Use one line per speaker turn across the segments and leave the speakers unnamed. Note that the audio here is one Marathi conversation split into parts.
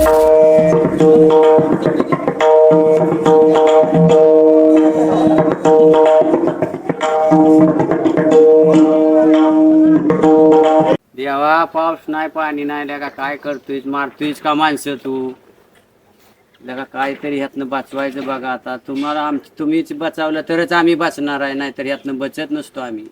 देवा पाऊस नाही पाणी नाही लगा काय करतोय मारतोयस का माणसं तू लगा काहीतरी ह्यातनं वाचवायचं बघा आता तुम्हाला तुम्हीच बचावलं तरच आम्ही वाचणार आहे नाहीतर ह्यातनं बचत नसतो आम्ही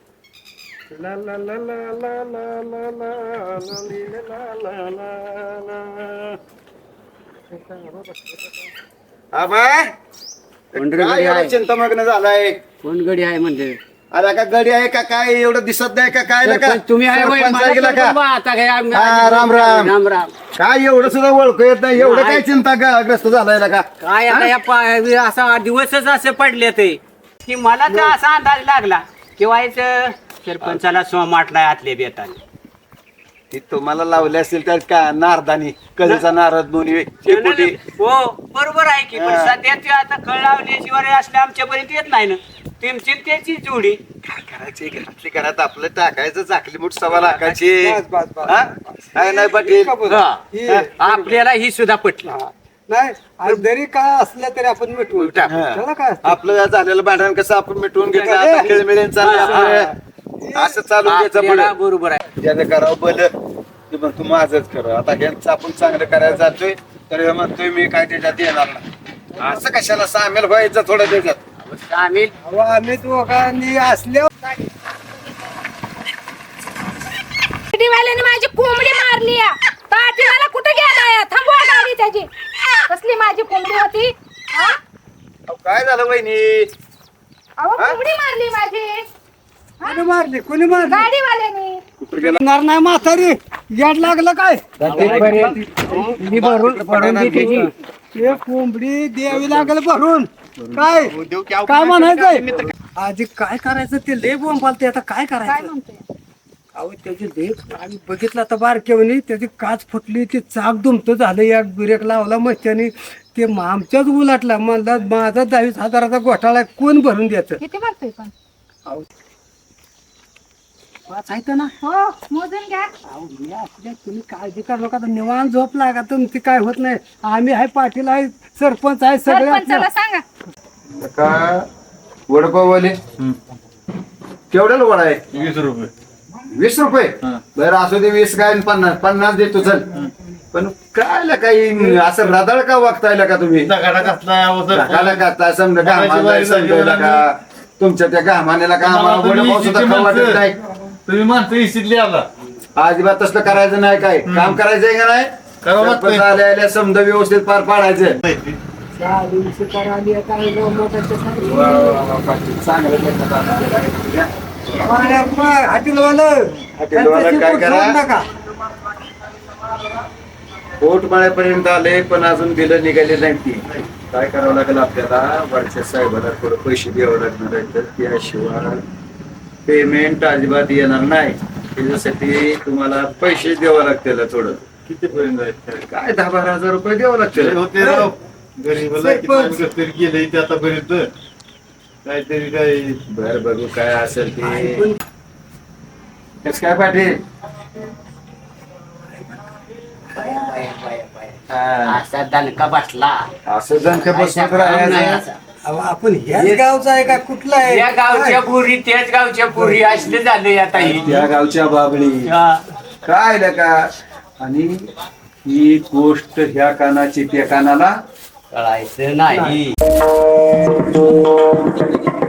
चिंतामग्न झालाय
कोण गडी आहे म्हणजे
अरे का गडी आहे का काय एवढं दिसत नाही का काय का
तुम्ही आहे होय, मला
सरपंच
तर
का?
बा आता काय आम्ही-
हा, राम राम.
राम राम
काय एवढं सुद्धा ओळखू येत नाही एवढं काय चिंता ग्रस्त झालाय का
काय आता या असा दिवसच असे पडले ते की मला तर असा अंदाज लागला की व्हायचं सरपंचाला सोमाटलाय आतले बेताने
ती तुम्हाला लावले असतील तर का नारदानी कधीचा नारद दोन्ही शेपुटी.
हो बरोबर आहे की पण सध्या ते आता कळ लावल्याशिवाय असले आमच्यापर्यंत येत नाही ना तुमची त्याची जोडी
काय करायची घरातली घरात आपलं टाकायचं चाकली मुठ सवा लाखाची हा? काय नाही पाटील
हा. आपल्याला ही सुद्धा पटली
नाही आणि जरी काय असलं तरी आपण मिटवून टाकू. त्याला काय असतं?
आपलं झालेलं भांडण कसं आपण मिटवून घेतलं आता खेळमेळीन चाललं आपलं. असं चालू घ्यायचं
आपल्याला
पुढं.
बरोबर आहे
ज्याने करावं बल ते मग तू माझच कर आता यांचं आपण चांगलं करायला जातोय तर हे म्हणतोय मी काय त्याच्यात येणार नाही असं कशाला सामील व्हायचं थोडं त्याच्यात
आम्ही
अहो, आम्ही दोघांनी असल्यावर
वाल्याने माझी कोंबडी मारली पाटीला कुठे गेला थांबवा गाडी त्याची कसली माझी कोंबडी होती हा?
अहो, काय झालं वहिनी
अहो कोंबडी मारली माझी
कोणी मारली कोणी मारली
गाडीवाल्याने
कुठं गेला
मारणार नाही म्हातारी याड लागलं काय ते कोंबडी द्यावी लागेल भरून काय काय म्हणायचंय आधी काय करायचं ते लय बोंबालते आता काय
काय
करायचं
म्हणतोय
अहो त्याची लेख आम्ही बघितलं आता बारकेवणी त्याची काच फुटली ते चाक दुमत झालं या ब्रेक लावला मस्त्याने ते आमच्याच उलाटला म्हणला माझा 10,000 घोटाळा आहे, कोण भरून द्यायचं
किती मारतोय पण
अहो वाचायचं ना
हो मोजून घ्या
अहो मी असल्या तुम्ही काळजी करू नका आता निवांत झोप लागा तुमची काय होत नाही आम्ही आहे पाटील आहे सरपंच आहे सगळे
सरपंचाला
आपल्या-
सांगा
का वडपाववाले केवढ्याला वडा आहे
20 रुपये
20 रुपये बरं असू दे 20 काय आणि 50 देतो चल पण काय काही असं रदाळ का वागतायला का तुम्ही
दगाडा कसला
ढगाला का समजा घामाला समजायला का तुमच्या त्या घामानेला का आम्हाला वडापाव सुद्धा खाऊ वाटत नाही
तुम्ही माणसं इसितली आला
अजिबात तसलं करायचं नाही काय काम करायचंय का नाही
करावं लागतंय.
सरपंच आल्या आल्या समजा व्यवस्थित पार पाडायचं
चालीस करायली आता हे दोन मोठ्याच्या सांगितलं.
वा, वा, वा, पाटील. चांगलं केलं आता.
हॉटेलवालं
हॉटेलवालं काय करा?
सोडू नका.
पोट माळ्यापर्यंत आले पण अजून बिलं निघाले नाही ती काय करावं लागेल आपल्याला वरच्या साहेबाला थोडं पैसे द्यावं लागणार आहे तर त्याशिवाय पेमेंट अजिबात येणार नाही त्याच्यासाठी तुम्हाला पैसे द्यावं लागतील थोडं
किती पर्यंत आहे?
काय 10-12 हजार रुपये द्यावं लागतील
होते राव गरीबाला किती आम्ही कसतरी केलंय ते आतापर्यंत काहीतरी काय
बर बघू काय असेल ते कसं काय पाटील हा.
असा दणका बसला
असं जण का बसून राहायचं?
अहो, आपण ह्याच गावचा आहे का कुठला आहे
या गावच्या पुरी त्याच गावच्या पुरी असले झाले आता ही
त्या गावच्या बाबळी
हा.
काय का आणि ही गोष्ट ह्या कानाची त्या कानाला
कळायचं नाही